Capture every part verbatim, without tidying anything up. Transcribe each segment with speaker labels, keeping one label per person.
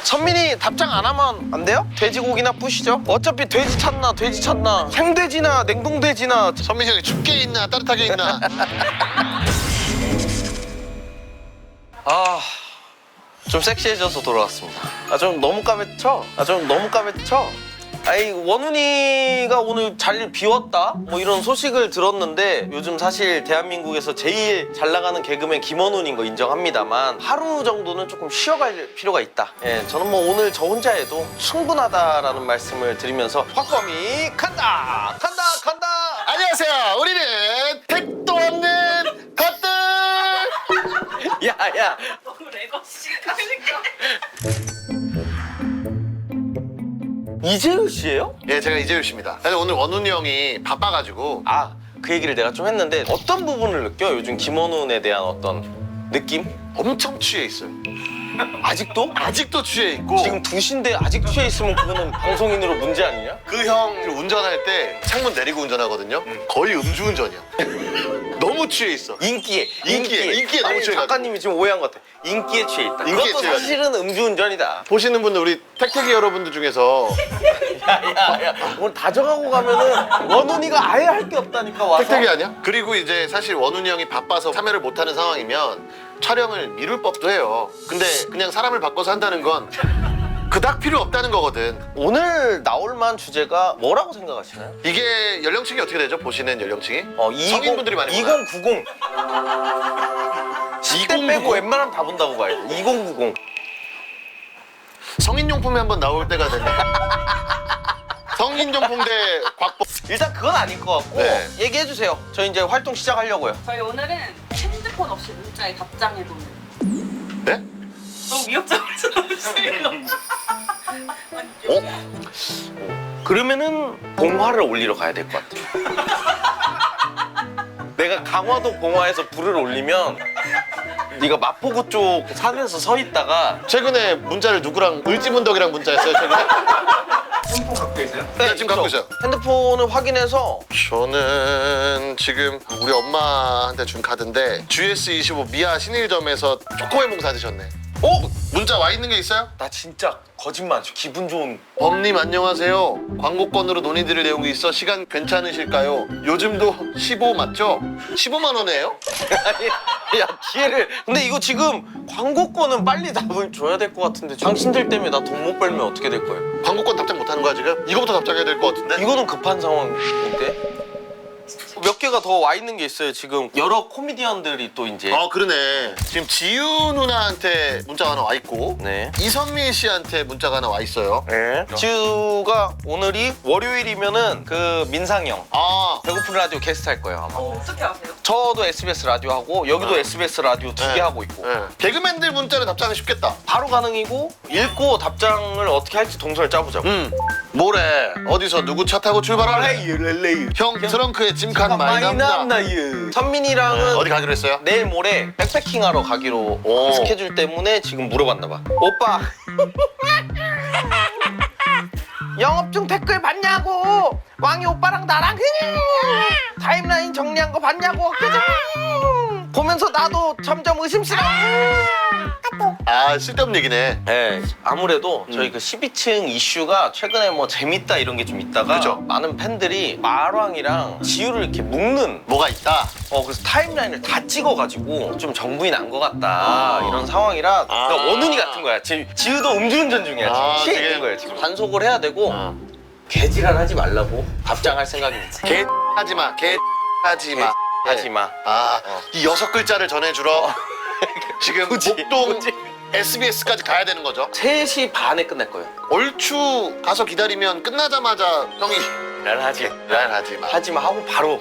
Speaker 1: 선민이 답장 안 하면 안 돼요? 돼지고기나 부시죠. 어차피 돼지 찾나 돼지 찾나 생돼지나 냉동돼지나.
Speaker 2: 선민이 형이 춥게 있나 따뜻하게 있나.
Speaker 1: 아, 좀 섹시해져서 돌아왔습니다. 아, 좀 너무 까매쳐? 아, 좀 너무 까매쳐? 아이, 원훈이가 오늘 자리를 비웠다? 뭐 이런 소식을 들었는데 요즘 사실 대한민국에서 제일 잘 나가는 개그맨 김원훈인 거 인정합니다만 하루 정도는 조금 쉬어갈 필요가 있다. 예, 저는 뭐 오늘 저 혼자 해도 충분하다라는 말씀을 드리면서 확범이 간다! 간다! 간다!
Speaker 2: 안녕하세요. 우리는 택도 없는 것들.
Speaker 1: 야, 야!
Speaker 3: 너무 레거시가 까니까.
Speaker 1: 이재우 씨예요?
Speaker 2: 예, 제가 이재율 씨입니다. 사실 오늘 원훈이 형이 바빠가지고
Speaker 1: 아, 그 얘기를 내가 좀 했는데 어떤 부분을 느껴? 요즘 김원훈에 대한 어떤 느낌?
Speaker 2: 엄청 취해 있어요.
Speaker 1: 아직도?
Speaker 2: 아직도 취해 있고
Speaker 1: 지금 두 시인데 아직 취해 있으면 그거는 방송인으로 문제 아니냐?
Speaker 2: 그 형 운전할 때 창문 내리고 운전하거든요. 거의 음주운전이야. 너무 취해 있어.
Speaker 1: 인기에
Speaker 2: 인기에, 인기에 너무
Speaker 1: 아니,
Speaker 2: 취해가지고.
Speaker 1: 작가님이 지금 오해한 것 같아. 인기에 취해 있다.
Speaker 2: 인기에
Speaker 1: 이것도
Speaker 2: 취해가지고.
Speaker 1: 사실은 음주운전이다.
Speaker 2: 보시는 분들 우리 택택이 여러분들 중에서
Speaker 1: 야야야 오늘 다정하고 가면은 원훈이가 아예 할 게 없다니까 와서.
Speaker 2: 택택이 아니야? 그리고 이제 사실 원훈이 형이 바빠서 참여를 못하는 상황이면 촬영을 미룰 법도 해요. 근데 그냥 사람을 바꿔서 한다는 건 그닥 필요 없다는 거거든.
Speaker 1: 오늘 나올 만한 주제가 뭐라고 생각하시나요?
Speaker 2: 이게 연령층이 어떻게 되죠? 보시는 연령층이?
Speaker 1: 어,
Speaker 2: 성인분들이 많이 보나요?
Speaker 1: 이천구십 십 대 빼고 웬만하면 다 본다고 봐야 돼. 이천구십.
Speaker 2: 성인용품이 한번 나올 때가 됐네. 성인용품 대 곽보.
Speaker 1: 일단 그건 아닐 것 같고
Speaker 2: 네.
Speaker 1: 얘기해 주세요. 저희 이제 활동 시작하려고요.
Speaker 3: 저희 오늘은 핸드폰 없이 문자에 답장해보는.
Speaker 2: 네?
Speaker 3: 너무 위협적이죠, 너무 싫어.
Speaker 1: 어? 그러면은 봉화를 올리러 가야 될 것 같아요. 내가 강화도 봉화에서 불을 올리면 네가 마포구 쪽 산에서 서 있다가
Speaker 2: 최근에 문자를 누구랑 을지문덕이랑 문자했어요 최근에?
Speaker 1: 핸드폰 갖고 계세요?
Speaker 2: 네, 지금 갖고 있어요.
Speaker 1: 핸드폰을 확인해서
Speaker 2: 저는 지금 우리 엄마한테 준 카드인데 지에스 이십오 미아 신일점에서 초코웨몽 사드셨네.
Speaker 1: 어?
Speaker 2: 문자 와 있는 게 있어요?
Speaker 1: 나 진짜 거짓말 안 쳐. 기분 좋은.
Speaker 2: 범님 안녕하세요. 광고권으로 논의드릴 내용이 있어 시간 괜찮으실까요? 요즘도 십오 맞죠? 십오만 원이에요?
Speaker 1: 아니, 야 기회를. 근데 이거 지금 광고권은 빨리 답을 줘야 될 것 같은데 당신들 때문에 나 돈 못 벌면 어떻게 될 거예요?
Speaker 2: 광고권 답장 못하는 거야 지금? 이거부터 답장해야 될 것 같은데?
Speaker 1: 이거는 급한 상황인데? 몇 개가 더 와 있는 게 있어요. 지금 여러 코미디언들이 또 이제
Speaker 2: 아 그러네. 지금 지유 누나한테 문자가 하나 와 있고
Speaker 1: 네.
Speaker 2: 이선미 씨한테 문자가 하나 와 있어요.
Speaker 1: 네. 지우가 오늘이 월요일이면은 그 민상이 형
Speaker 2: 아
Speaker 1: 배고픈 라디오 게스트 할 거예요 아마.
Speaker 3: 어, 어떻게 아세요?
Speaker 1: 저도 에스비에스 라디오 하고 여기도
Speaker 2: 네.
Speaker 1: 에스비에스 라디오 두 개
Speaker 2: 네.
Speaker 1: 하고 있고
Speaker 2: 네. 개그맨들 문자는 답장이 쉽겠다.
Speaker 1: 바로 가능이고 읽고 답장을 어떻게 할지 동선을 짜보자고.
Speaker 2: 음 뭐래 어디서 누구 차 타고 출발하래?
Speaker 1: 렐레이
Speaker 2: 형 트렁크에 짐칸 많이 남다.
Speaker 1: 남나유. 선민이랑은
Speaker 2: 네, 어디 가기로 했어요?
Speaker 1: 내일 모레 백패킹하러 가기로
Speaker 2: 오.
Speaker 1: 스케줄 때문에 지금 물어봤나 봐. 오빠 영업 중 댓글 봤냐고. 왕이 오빠랑 나랑 타임라인 정리한 거 봤냐고. 그죠? 보면서 나도 점점 의심스러워.
Speaker 2: 아 쓸데없는 얘기네.
Speaker 1: 네, 아무래도 저희 그 십이 층 이슈가 최근에 뭐 재밌다 이런 게 좀 있다가
Speaker 2: 그죠.
Speaker 1: 많은 팬들이 마왕이랑 지우를 이렇게 묶는
Speaker 2: 뭐가 있다.
Speaker 1: 어 그래서 타임라인을 다 찍어가지고 좀 정부이 난 것 같다
Speaker 2: 아.
Speaker 1: 이런 상황이라
Speaker 2: 아.
Speaker 1: 그러니까 원훈이 같은 거야. 지, 지우도 음주운전 중이야. 지금
Speaker 2: 아,
Speaker 1: 취해
Speaker 2: 되게-
Speaker 1: 있는 거야 지금. 단속을 해야 되고
Speaker 2: 어.
Speaker 1: 개지랄 하지 말라고 답장할 생각입니다.
Speaker 2: 개 하지 마. 개 하지 마.
Speaker 1: 하지 마.
Speaker 2: 아,
Speaker 1: 어.
Speaker 2: 이 여섯 글자를 전해주러 지금
Speaker 1: 굳이,
Speaker 2: 목동
Speaker 1: 굳이.
Speaker 2: 에스비에스까지 가야 되는 거죠.
Speaker 1: 세 시 반에 끝낼 거예요.
Speaker 2: 얼추 가서 기다리면 끝나자마자 형이
Speaker 1: 난 하지.
Speaker 2: 난 하지 마.
Speaker 1: 하지 마 하고 바로.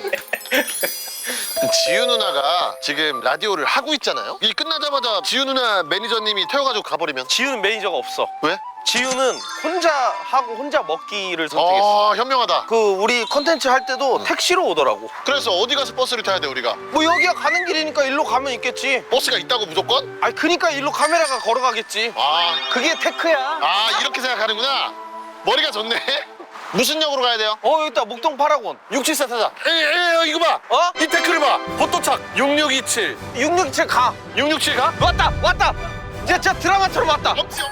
Speaker 2: 지유 누나가 지금 라디오를 하고 있잖아요. 이 끝나자마자 지유 누나 매니저님이 태워가지고 가버리면
Speaker 1: 지우는 매니저가 없어.
Speaker 2: 왜?
Speaker 1: 지우는 혼자 하고 혼자 먹기를 선택했어.
Speaker 2: 아 현명하다.
Speaker 1: 그 우리 컨텐츠 할 때도 택시로 오더라고.
Speaker 2: 그래서 어디 가서 버스를 타야 돼 우리가?
Speaker 1: 뭐 여기가 가는 길이니까 일로 가면 있겠지.
Speaker 2: 버스가 있다고 무조건?
Speaker 1: 아니 그니까 일로 카메라가 걸어가겠지.
Speaker 2: 아,
Speaker 1: 그게 테크야.
Speaker 2: 아 이렇게 생각하는구나. 머리가 좋네. 무슨 역으로 가야 돼요?
Speaker 1: 어 여기 있다 목동 파라곤. 육칠사 타자.
Speaker 2: 에이, 에이 이거 봐.
Speaker 1: 어?
Speaker 2: 이 태클을 봐. 포토착 육육이칠.
Speaker 1: 육육칠 가.
Speaker 2: 육육칠 가?
Speaker 1: 왔다 왔다. 이제 진짜 드라마처럼 왔다.
Speaker 2: 없지.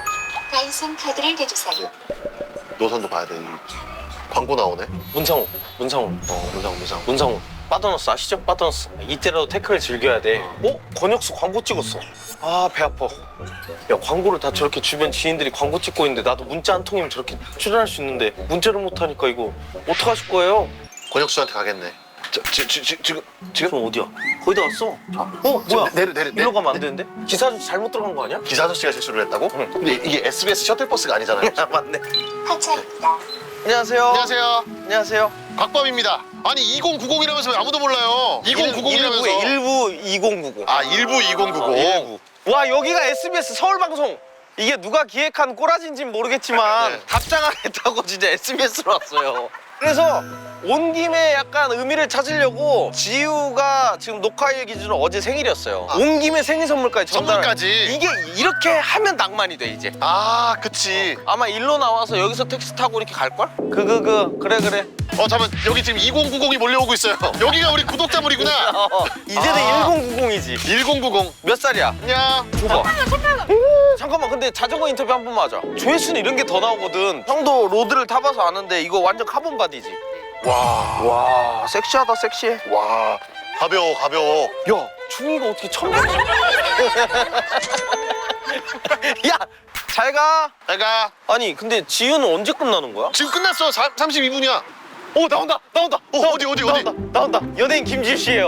Speaker 4: 가입성 카드를 대주세요.
Speaker 2: 노선도 봐야 돼. 이 광고 나오네.
Speaker 1: 문상우, 문상우,
Speaker 2: 어, 문상 문상.
Speaker 1: 문상우. 빠더너스 아시죠? 빠더너스. 이때라도 태클을 즐겨야 돼. 어? 권혁수 광고 찍었어. 아, 배 아파. 야, 광고를 다 저렇게 주변 지인들이 광고 찍고 있는데 나도 문자 한 통이면 저렇게 출연할 수 있는데 문자를 못 하니까 이거 어떡하실 거예요?
Speaker 2: 권혁수한테 가겠네. 저, 지, 지, 지, 지금 지금
Speaker 1: 지금 어디야? 거의 다 왔어. 어?
Speaker 2: 지금
Speaker 1: 뭐야?
Speaker 2: 내려 내려
Speaker 1: 일로 가면 안 되는데? 기사 아저씨 잘못 들어간 거 아니야?
Speaker 2: 기사 아저씨가 실수를 했다고?
Speaker 1: 응.
Speaker 2: 근데 이게 에스비에스 셔틀버스가 아니잖아요.
Speaker 1: 아, 맞네.
Speaker 4: 하차입니다.
Speaker 1: 안녕하세요.
Speaker 2: 안녕하세요.
Speaker 1: 안녕하세요.
Speaker 2: 곽범입니다. 아니 이천구십이라면서 왜 아무도 몰라요? 이천구십이라면서.
Speaker 1: 일부 이천구십.
Speaker 2: 아 일부 이천구십.
Speaker 1: 어, 일부. 와, 여기가 에스비에스 서울방송. 이게 누가 기획한 꼬라진진 모르겠지만
Speaker 2: 네.
Speaker 1: 답장하겠다고 진짜 에스비에스로 왔어요. 그래서 온 김에 약간 의미를 찾으려고 지우가 지금 녹화일 기준으로 어제 생일이었어요.
Speaker 2: 아.
Speaker 1: 온 김에 생일 선물까지 전달.
Speaker 2: 선물까지?
Speaker 1: 이게 이렇게 하면 낭만이 돼 이제.
Speaker 2: 아 그치.
Speaker 1: 아마 일로 나와서 여기서 택시 타고 이렇게 갈걸? 그 그 그 그래 그래.
Speaker 2: 어 잠깐 여기 지금 이천구십이 몰려오고 있어요. 여기가 우리 구독자물이구나.
Speaker 1: 어, 이제는
Speaker 2: 아.
Speaker 1: 천구십이지.
Speaker 2: 천구십.
Speaker 1: 몇 살이야?
Speaker 2: 안녕.
Speaker 1: 줘봐. 잠깐만, 근데 자전거 인터뷰 한 번만 하자. 조회수는 이런 게 더 나오거든. 형도 로드를 타봐서 아는데 이거 완전 카본 바디지.
Speaker 2: 와.
Speaker 1: 와, 섹시하다, 섹시해.
Speaker 2: 와. 가벼워 가벼워.
Speaker 1: 야, 중이가 어떻게 천명? 야, 잘 가.
Speaker 2: 내가
Speaker 1: 아니, 근데 지우는 언제 끝나는 거야?
Speaker 2: 지금 끝났어. 사, 삼십이 분이야.
Speaker 1: 오, 나온다, 나온다.
Speaker 2: 어,
Speaker 1: 나온다,
Speaker 2: 어디, 어디,
Speaker 1: 나온다,
Speaker 2: 어디?
Speaker 1: 나온다. 연예인 김지우 씨예요.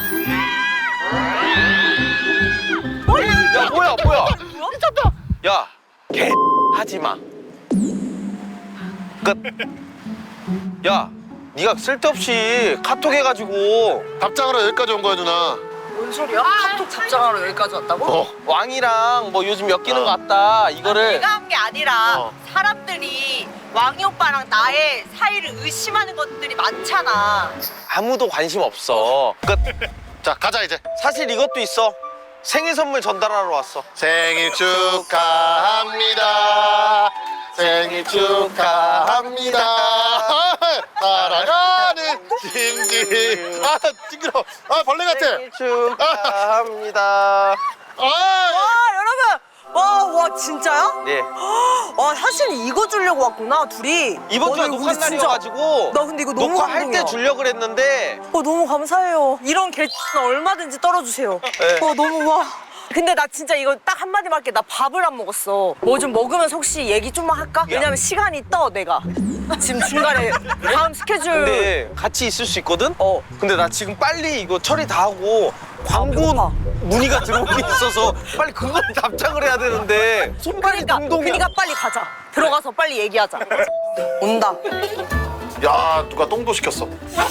Speaker 1: 야, 뭐야, 뭐야? 미쳤다. 야, 개 하지 마. 끝. 야, 네가 쓸데없이 카톡 해가지고
Speaker 2: 답장하러 여기까지 온 거야 누나.
Speaker 3: 뭔 소리야? 카톡 답장하러 여기까지 왔다고?
Speaker 2: 어.
Speaker 1: 왕이랑 뭐 요즘 엮이는 것 같다. 이거를
Speaker 5: 내가 한 게 아니라
Speaker 2: 어.
Speaker 5: 사람들이 왕이 오빠랑 나의 사이를 의심하는 것들이 많잖아.
Speaker 1: 아무도 관심 없어. 끝.
Speaker 2: 자 가자 이제.
Speaker 1: 사실 이것도 있어. 생일 선물 전달하러 왔어.
Speaker 2: 생일 축하합니다. 생일 축하합니다. 사랑하는 김지. 아 징그러. 아 벌레 같아.
Speaker 1: 생일 축하합니다.
Speaker 2: 아
Speaker 5: 와 여러분, 와, 와 진짜야?
Speaker 1: 네.
Speaker 5: 와 사실 이거 주려고 왔구나 둘이.
Speaker 1: 이번 주가
Speaker 5: 어, 나 이거
Speaker 1: 녹화
Speaker 5: 근데 진짜-
Speaker 1: 날이어가지고
Speaker 5: 나 근데 이거 너무
Speaker 1: 녹화할
Speaker 5: 감동이야.
Speaker 1: 때 주려고 그랬는데
Speaker 5: 어 너무 감사해요. 이런 개는 얼마든지 떨어주세요.
Speaker 1: 네.
Speaker 5: 어 너무 와. 근데 나 진짜 이거 딱 한마디만 할게. 나 밥을 안 먹었어. 뭐 좀 먹으면서 혹시 얘기 좀만 할까? 왜냐면 시간이 떠 내가. 지금 중간에 다음 스케줄.
Speaker 1: 근데 같이 있을 수 있거든?
Speaker 5: 어.
Speaker 1: 근데 나 지금 빨리 이거 처리 다 하고 광고
Speaker 5: 배고파.
Speaker 1: 문의가 들어오고 있어서 빨리 그걸 답장을 해야 되는데 손발이
Speaker 5: 그러니까,
Speaker 1: 동동이야.
Speaker 5: 그러니까 빨리 가자. 들어가서 빨리 얘기하자. 온다.
Speaker 2: 야 누가 똥도 시켰어.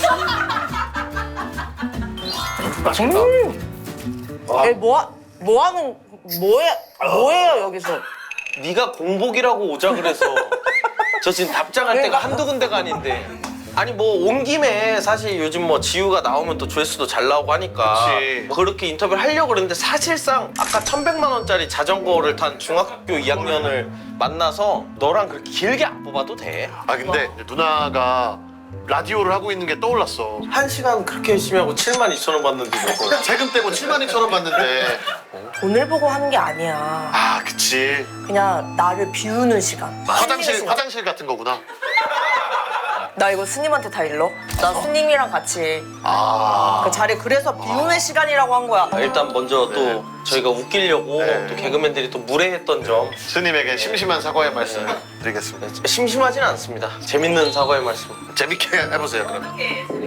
Speaker 2: 맛있다.
Speaker 5: 에 뭐, 뭐 하는, 뭐해, 뭐해요, 여기서?
Speaker 1: 네가 공복이라고 오자 그래서 저 지금 답장할 때가 한두 군데가 아닌데 아니 뭐 온 김에 사실 요즘 뭐 지우가 나오면 또 조회수도 잘 나오고 하니까
Speaker 2: 그치.
Speaker 1: 뭐 그렇게 인터뷰를 하려고 그랬는데 사실상 아까 천백만 원짜리 자전거를 탄 중학교 이 학년을 만나서 너랑 그렇게 길게 안 뽑아도 돼.
Speaker 2: 아 근데 누나가 라디오를 하고 있는 게 떠올랐어.
Speaker 1: 한 시간 그렇게 열심히 하고 칠만 이천 원 받는데 저거.
Speaker 2: 세금 떼고 칠만 이천 원 받는데.
Speaker 5: 돈을 보고 하는 게 아니야.
Speaker 2: 아 그치.
Speaker 5: 그냥 나를 비우는 시간.
Speaker 2: 화장실
Speaker 5: 시간.
Speaker 2: 화장실 같은 거구나.
Speaker 5: 나 이거 스님한테 다 일러? 나 스님이랑 같이
Speaker 2: 아.
Speaker 5: 그 자리 그래서 비우는 시간이라고 한 거야.
Speaker 1: 아, 일단 먼저 또
Speaker 2: 네.
Speaker 1: 저희가 웃기려고
Speaker 2: 네.
Speaker 1: 또 개그맨들이 또 무례했던 점
Speaker 2: 스님에게 심심한 사과의 말씀 드리겠습니다.
Speaker 1: 심심하진 않습니다. 재밌는 사과의 말씀.
Speaker 2: 재밌게 해보세요 그러면.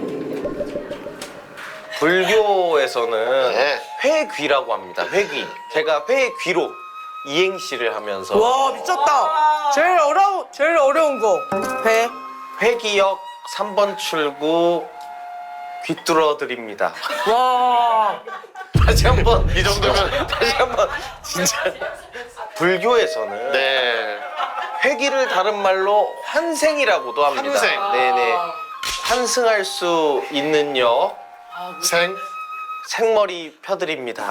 Speaker 1: 불교에서는
Speaker 2: 네.
Speaker 1: 회귀라고 합니다. 회귀. 제가 회귀로 이행시를 하면서
Speaker 5: 와 미쳤다. 제일 어려운 제일 어려운 거. 배.
Speaker 1: 회귀역 삼 번 출구 귀뚫어 드립니다.
Speaker 5: 와.
Speaker 1: 다시 한번
Speaker 2: 이 정도면
Speaker 1: 다시 한번 진짜 불교에서는
Speaker 2: 네.
Speaker 1: 회귀를 다른 말로 환생이라고도 합니다.
Speaker 2: 환생.
Speaker 1: 네네. 환승할 수 있는 역
Speaker 2: 생.
Speaker 1: 생머리 펴드립니다.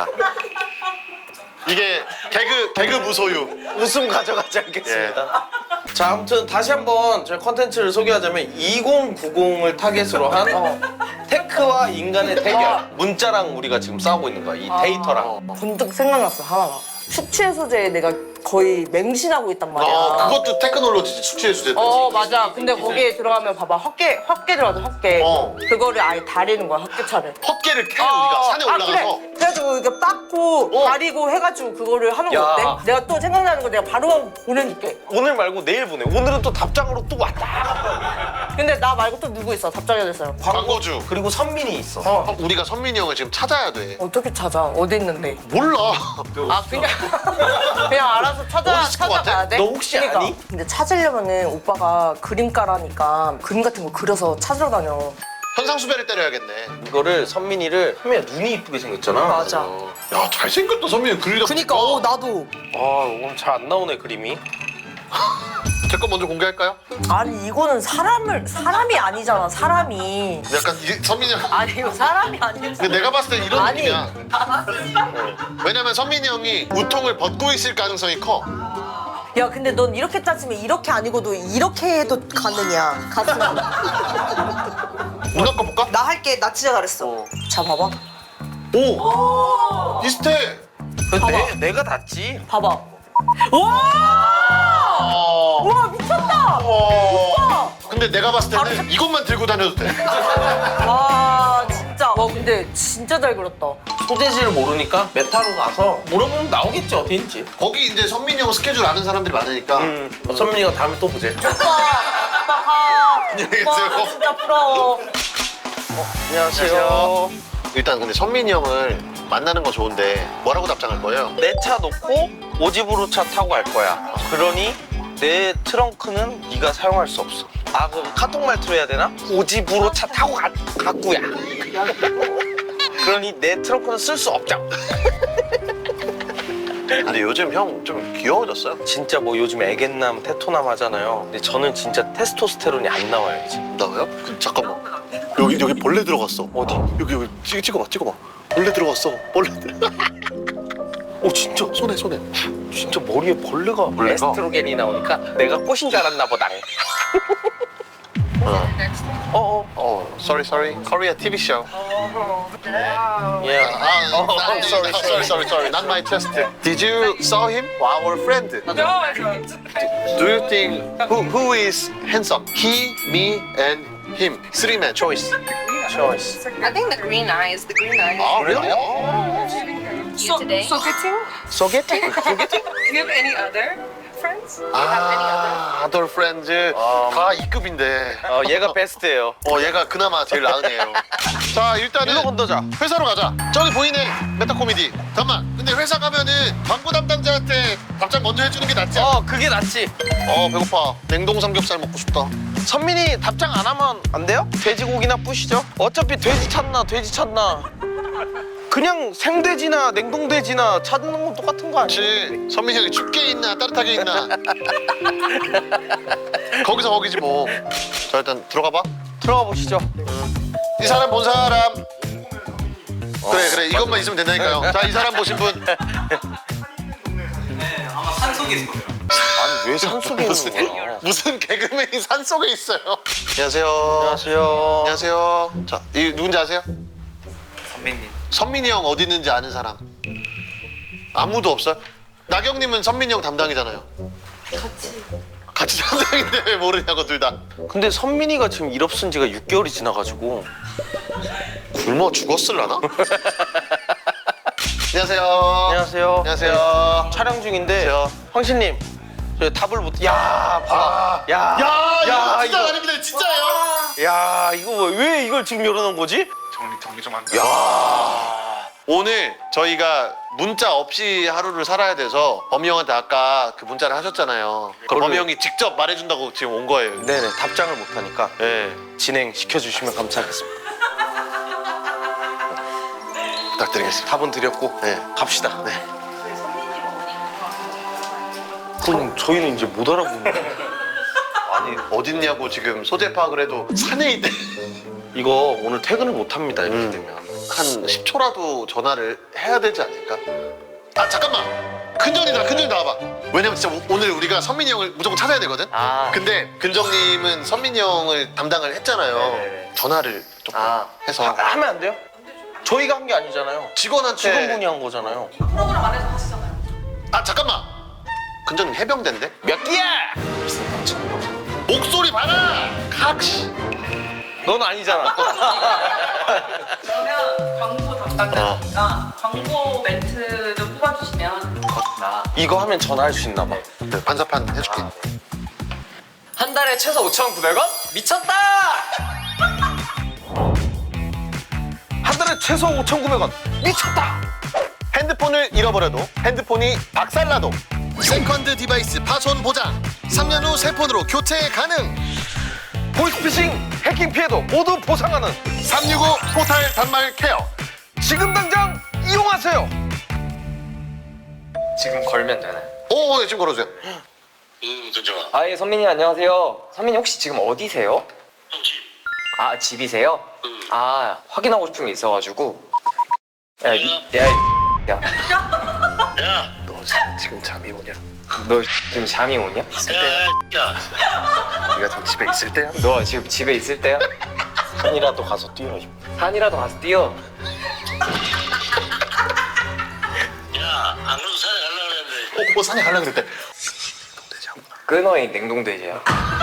Speaker 2: 이게 개그 개그 무소유.
Speaker 1: 웃음 가져가지 않겠습니다.
Speaker 2: 예.
Speaker 1: 자, 아무튼 다시 한번 저희 컨텐츠를 소개하자면 이천구십을 타겟으로 한 테크와 인간의 대결. 문자랑 우리가 지금 싸우고 있는 거야. 이 데이터랑.
Speaker 5: 번뜩 생각났어 하나가. 숙취해소제 내가 거의 맹신하고 있단 말이야.
Speaker 2: 아 그것도 테크놀로지지 숙취 해소제.
Speaker 5: 어 맞아. 근데 거기에 들어가면 봐봐 헛개 헛개 들어가서 헛개.
Speaker 2: 어.
Speaker 5: 그거를 아예 다리는 거야 헛개차를.
Speaker 2: 헛개를 캐 우리가 산에
Speaker 5: 아,
Speaker 2: 올라가서.
Speaker 5: 그래. 그래가지고 이렇게 빻고
Speaker 2: 어.
Speaker 5: 가리고 해가지고 그거를 하는 거
Speaker 1: 야.
Speaker 5: 어때? 내가 또 생각나는 거 내가 바로 보내줄게.
Speaker 1: 오늘 말고 내일 보내. 오늘은 또 답장으로 또 왔다.
Speaker 5: 근데 나 말고 또 누구 있어? 답장해야 됐어요.
Speaker 2: 광고주.
Speaker 1: 그리고 선민이 있어.
Speaker 2: 어, 우리가 선민이 형을 지금 찾아야 돼.
Speaker 5: 어떻게 찾아? 어디 있는데?
Speaker 2: 몰라.
Speaker 5: 아 그냥 그냥 알아서 찾아
Speaker 2: 어디 있을 것 같아?
Speaker 5: 찾아가야 돼?
Speaker 1: 너 혹시 아니?
Speaker 5: 근데 찾으려면은 오빠가 그림가라니까 그림 같은 거 그려서 찾으러 다녀.
Speaker 2: 현상수배를 때려야겠네.
Speaker 1: 이거를 선민이를 하면 눈이 이쁘게 생겼잖아.
Speaker 5: 맞아.
Speaker 2: 야 잘생겼다 선민이 그리다.
Speaker 5: 그니까 어 나도.
Speaker 1: 아 오늘 잘 안 나오네 그림이.
Speaker 2: 제 거 먼저 공개할까요?
Speaker 5: 아니 이거는 사람을 사람이 아니잖아 사람이.
Speaker 2: 약간 이, 선민이 형.
Speaker 5: 아니 이거 사람이 아니야.
Speaker 2: 근데 내가 봤을 땐 이런
Speaker 5: 아니.
Speaker 2: 느낌이야. 어. 왜냐면 선민이 형이 우통을 벗고 있을 가능성이 커.
Speaker 5: 야 근데 넌 이렇게 따지면 이렇게 아니고도 이렇게 해도 가능이야. 가슴.
Speaker 2: 누나 거 볼까?
Speaker 5: 나 할게. 나 진짜 잘했어.
Speaker 2: 어.
Speaker 5: 자 봐봐.
Speaker 2: 오! 비슷해.
Speaker 1: 내, 내가 닿지.
Speaker 5: 봐봐. 와!
Speaker 2: 어.
Speaker 5: 와 미쳤다.
Speaker 2: 어. 근데 내가 봤을 때는
Speaker 5: 바로
Speaker 2: 이것만 들고 다녀도 돼.
Speaker 5: 와 진짜. 와 근데 진짜 잘 그렸다.
Speaker 1: 소재지를 모르니까 메타로 가서 물어보면 나오겠지 어디인지.
Speaker 2: 거기 이제 선민이 형 스케줄 아는 사람들이 많으니까.
Speaker 1: 음. 선민이가 다음에 또 보재.
Speaker 5: 오빠, 오빠 가.
Speaker 2: 안녕히 계세요.
Speaker 5: 오빠 진짜 부러워.
Speaker 1: 안녕하세요.
Speaker 2: 일단 근데 선민이 형을 만나는 건 좋은데 뭐라고 답장할 거예요?
Speaker 1: 내 차 놓고 오집으로 차 타고 갈 거야. 그러니 내 트렁크는 네가 사용할 수 없어. 아 그럼 카톡 말투로 해야 되나? 오집으로 차 타고 가, 갔구야. 그러니 내 트렁크는 쓸 수 없죠.
Speaker 2: 근데 요즘 형 좀 귀여워졌어요.
Speaker 1: 진짜 뭐 요즘 애견남, 테토남 하잖아요. 근데 저는 진짜 테스토스테론이 안 나와요 이제.
Speaker 2: 나와요? 그, 잠깐만. 여기 여기 벌레 들어갔어.
Speaker 1: 어디?
Speaker 2: 여기 여기 찍, 찍어봐 찍어봐. 벌레 들어갔어. 벌레 들어.
Speaker 1: 오 진짜
Speaker 2: 손에 손에.
Speaker 1: 진짜 머리에 벌레가,
Speaker 2: 벌레가?
Speaker 1: 에스트로겐이 나오니까 내가 꽃인 줄 알았나 보다.
Speaker 2: 어.
Speaker 1: 어어.
Speaker 2: 어, sorry sorry. Korea 티비 show.
Speaker 1: 예.
Speaker 2: 아,
Speaker 1: 어,
Speaker 2: 아,
Speaker 1: I'm sorry,
Speaker 2: sorry, sorry, sorry. Not my test. Did you saw him? Our friend. Do you think who who is handsome? He, me, and him. Three man choice.
Speaker 1: choice.
Speaker 6: I think the green eyes, the green eyes.
Speaker 2: Oh, really?
Speaker 6: You today?
Speaker 1: 소개팅? 소개팅?
Speaker 6: Do you have any other friends?
Speaker 2: 아, other friends 다 이 급인데.
Speaker 1: 어 얘가 베스트예요.
Speaker 2: 어, 얘가 그나마 제일 나으네요. 자, 일단은
Speaker 1: 일로 건너자.
Speaker 2: 회사로 가자. 저기 보이네. 메타코미디. 잠깐만. 근데 회사 가면은 광고 담당자한테 답장 먼저 해주는 게 낫지 않아?
Speaker 1: 어 그게 낫지.
Speaker 2: 어, 배고파. 냉동 삼겹살 먹고 싶다.
Speaker 1: 선민이 답장 안 하면 안 돼요? 돼지고기나 뿌시죠. 어차피 돼지 찾나 돼지 찾나. 그냥 생돼지나 냉동돼지나 찾는 건 똑같은 거 아니야?
Speaker 2: 그렇지. 선민이 형이 춥게 있나 따뜻하게 있나. 거기서 거기지 뭐. 자, 일단 들어가 봐.
Speaker 1: 들어가 보시죠.
Speaker 2: 이 사람 본 사람. 그래 그래 이것만 있으면 된다니까요. 자, 이 사람 보신 분.
Speaker 1: 아니 왜 산속에
Speaker 2: 무슨
Speaker 1: 있는 거야?
Speaker 2: 무슨 개그맨이 산 속에 있어요. 안녕하세요.
Speaker 1: 안녕하세요.
Speaker 2: 안녕하세요. 자, 이 누군지 아세요? 선민이. 선민이 형 어디 있는지 아는 사람? 아무도 없어요? 나경님은 선민이 형 담당이잖아요. 같이. 같이 담당인데 왜 모르냐고 둘 다.
Speaker 1: 근데 선민이가 지금 일 없은 지가 육 개월이 지나가지고.
Speaker 2: 굶어 죽었을라나? 안녕하세요.
Speaker 1: 안녕하세요.
Speaker 2: 안녕하세요.
Speaker 1: 촬영 중인데
Speaker 2: 안녕하세요.
Speaker 1: 황신님 저 답을 못. 야 봐봐. 야.
Speaker 2: 야, 이거
Speaker 1: 야,
Speaker 2: 진짜
Speaker 1: 이거.
Speaker 2: 아닙니다. 진짜예요.
Speaker 1: 야 이거 뭐- 왜 이걸 지금 열어놓은 거지?
Speaker 7: 정리 정리 좀 한다.
Speaker 2: 오늘 저희가 문자 없이 하루를 살아야 돼서 범이 형한테 아까 그 문자를 하셨잖아요. 그럼 범이 형이 직접 말해준다고 지금 온 거예요.
Speaker 1: 네네 답장을 못 하니까
Speaker 2: 네,
Speaker 1: 진행 시켜주시면 감사하겠습니다.
Speaker 2: 부탁드리겠습니다.
Speaker 1: 답은 드렸고
Speaker 2: 네.
Speaker 1: 갑시다. 네. 그럼 저희는 이제 못 알아보는 거예요.
Speaker 2: 아니 어딨냐고 지금 소재 파악을 해도 산에 있대.
Speaker 1: 이거 오늘 퇴근을 못 합니다 이렇게
Speaker 2: 음.
Speaker 1: 되면.
Speaker 2: 한 십 초라도 전화를 해야 되지 않을까? 아 잠깐만. 근정이다. 근정이 나와봐. 왜냐면 진짜 오- 오늘 우리가 선민이 형을 무조건 찾아야 되거든.
Speaker 1: 아.
Speaker 2: 근데 근정님은 선민이 형을 담당을 했잖아요.
Speaker 1: 네네네.
Speaker 2: 전화를 조금
Speaker 1: 아.
Speaker 2: 해서
Speaker 1: 아, 하면 안 돼요? 저희가 한 게 아니잖아요.
Speaker 2: 직원한테
Speaker 1: 직원분이 한 거잖아요.
Speaker 2: 아 잠깐만. 근처는 해병대인데?
Speaker 1: 몇 끼야?
Speaker 2: 목소리 봐라! 각시!
Speaker 1: 넌 아니잖아.
Speaker 3: 그러면 광고 담당자니까 광고 멘트도 뽑아주시면
Speaker 7: 나.
Speaker 1: 이거 하면 전화할 수 있나 봐.
Speaker 2: 네, 반사판 해줄게.
Speaker 7: 한 달에 최소 오천구백 원? 미쳤다!
Speaker 1: 한 달에 최소 오천구백 원. 미쳤다.
Speaker 2: 핸드폰을 잃어버려도 핸드폰이 박살나도 세컨드 디바이스 파손 보장 삼 년 후 새 폰으로 교체 가능
Speaker 1: 보이스피싱, 해킹 피해도 모두 보상하는
Speaker 2: 삼육오 포탈 단말 케어
Speaker 1: 지금 당장 이용하세요.
Speaker 7: 지금 걸면 되나요?
Speaker 2: 오, 네, 지금 걸어주세요.
Speaker 7: 아, 예, 선민님 안녕하세요. 선민님 혹시 지금 어디세요? 아, 집이세요? 아, 확인하고 싶은 게 있어가지고. 야, 미, 야, 야.
Speaker 2: 너 지금 잠이 오냐?
Speaker 7: 너 지금 잠이 오냐?
Speaker 2: 네가 지금 집에 있을 때야?
Speaker 7: 너 지금 집에 있을 때야?
Speaker 1: 산이라도 가서 뛰어.
Speaker 7: 산이라도 가서 뛰어.
Speaker 2: 어, 어 산에 가려고 그랬대.
Speaker 7: 끊어, 이 냉동돼지야.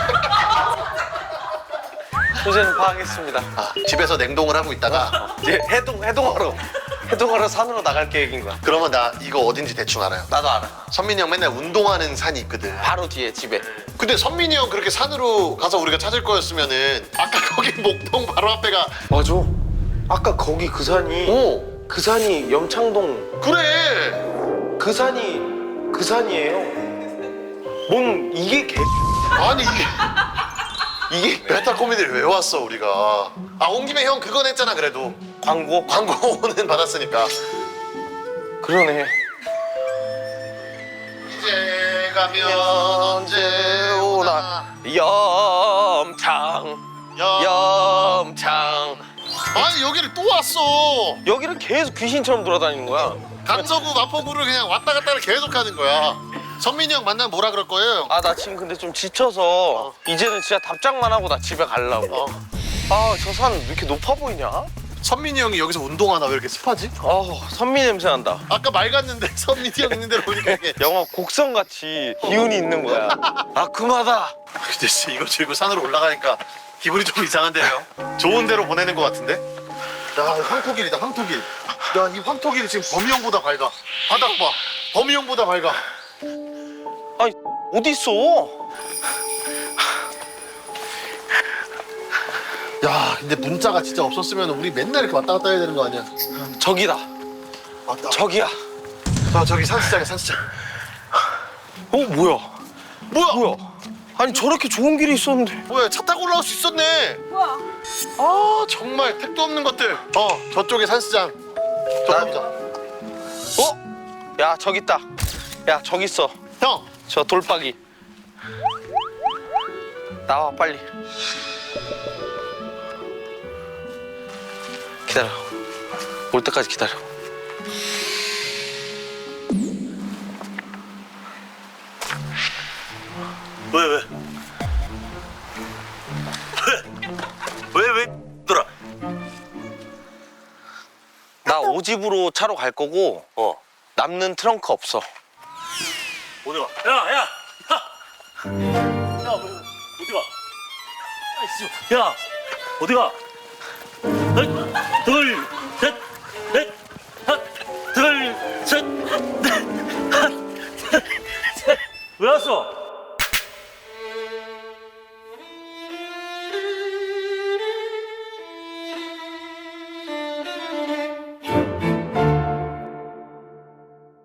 Speaker 1: 소재는 파악했습니다.
Speaker 2: 아, 집에서 냉동을 하고 있다가
Speaker 1: 이제 해동 해동하러 해동하러 산으로 나갈 계획인 거야.
Speaker 2: 그러면 나 이거 어딘지 대충 알아요.
Speaker 1: 나도 알아.
Speaker 2: 선민이 형 맨날 운동하는 산이 있거든.
Speaker 1: 바로 뒤에 집에.
Speaker 2: 근데 선민이 형 그렇게 산으로 가서 우리가 찾을 거였으면은 아까 거기 목동 바로 앞에가
Speaker 1: 맞아. 아까 거기 그 산이
Speaker 2: 오
Speaker 1: 그 산이 염창동
Speaker 2: 그래.
Speaker 1: 그 산이 그 산이에요. 뭔 이게 개
Speaker 2: 아니 이게
Speaker 1: 이게
Speaker 2: 베타 코미디를 왜 왔어 우리가? 아 온 김에 형 그건 했잖아 그래도
Speaker 1: 광고?
Speaker 2: 광고는 받았으니까.
Speaker 1: 그러네.
Speaker 2: 이제 가면 언제 오나
Speaker 1: 염창
Speaker 2: 야.
Speaker 1: 염창.
Speaker 2: 아니 여기를 또 왔어.
Speaker 1: 여기를 계속 귀신처럼 돌아다니는 거야.
Speaker 2: 강서구 마포구를 그냥 왔다 갔다를 계속 하는 거야. 선민이 형 만나면 뭐라 그럴 거예요?
Speaker 1: 아 나 지금 근데 좀 지쳐서 이제는 진짜 답장만 하고 나 집에 가려고.
Speaker 2: 어.
Speaker 1: 아 저 산 왜 이렇게 높아 보이냐?
Speaker 2: 선민이 형이 여기서 운동하나 왜 이렇게 습하지?
Speaker 1: 어 선미 냄새 난다.
Speaker 2: 아까 맑았는데 선민이 형 있는 데로 보니까 이게
Speaker 1: 영화 곡성같이 기운이 있는 거야. 아큼하다.
Speaker 2: 근데 진짜 이거 들고 산으로 올라가니까 기분이 좀 이상한데요? 좋은 데로 보내는 것 같은데? 야 황토길이다 황토길. 야 이 황토길이 지금 범위형보다 밝아. 바닥 봐. 범위형보다 밝아.
Speaker 1: 아니 어디 있어?
Speaker 2: 야 근데 문자가 진짜 없었으면 우리 맨날 이렇게 왔다 갔다 해야 되는 거 아니야?
Speaker 1: 저기다.
Speaker 2: 맞다.
Speaker 1: 저기야.
Speaker 2: 아 저기 산수장이야 산수장.
Speaker 1: 어 뭐야?
Speaker 2: 뭐야?
Speaker 1: 뭐야? 아니 저렇게 좋은 길이 있었는데.
Speaker 2: 뭐야 차 타고 올라올 수 있었네.
Speaker 3: 뭐야?
Speaker 2: 아 정말 택도 없는 것들. 어 저쪽에 산수장. 저
Speaker 1: 나-
Speaker 2: 가보자.
Speaker 1: 어? 야 저기 있다. 야 저기 있어.
Speaker 2: 형.
Speaker 1: 저 돌박이. 나와 빨리. 기다려. 올 때까지 기다려.
Speaker 2: 왜 왜? 왜? 왜 왜? 돌아.
Speaker 1: 나 오집으로 차로 갈 거고
Speaker 2: 어.
Speaker 1: 남는 트렁크 없어.
Speaker 2: 어디 가? 야 야. 야. 야 어디 가? 아이씨. 야 어디 가? 하나, 둘, 셋, 넷, 하나, 둘, 셋, 넷, 하나, 둘, 셋. 왜 왔어?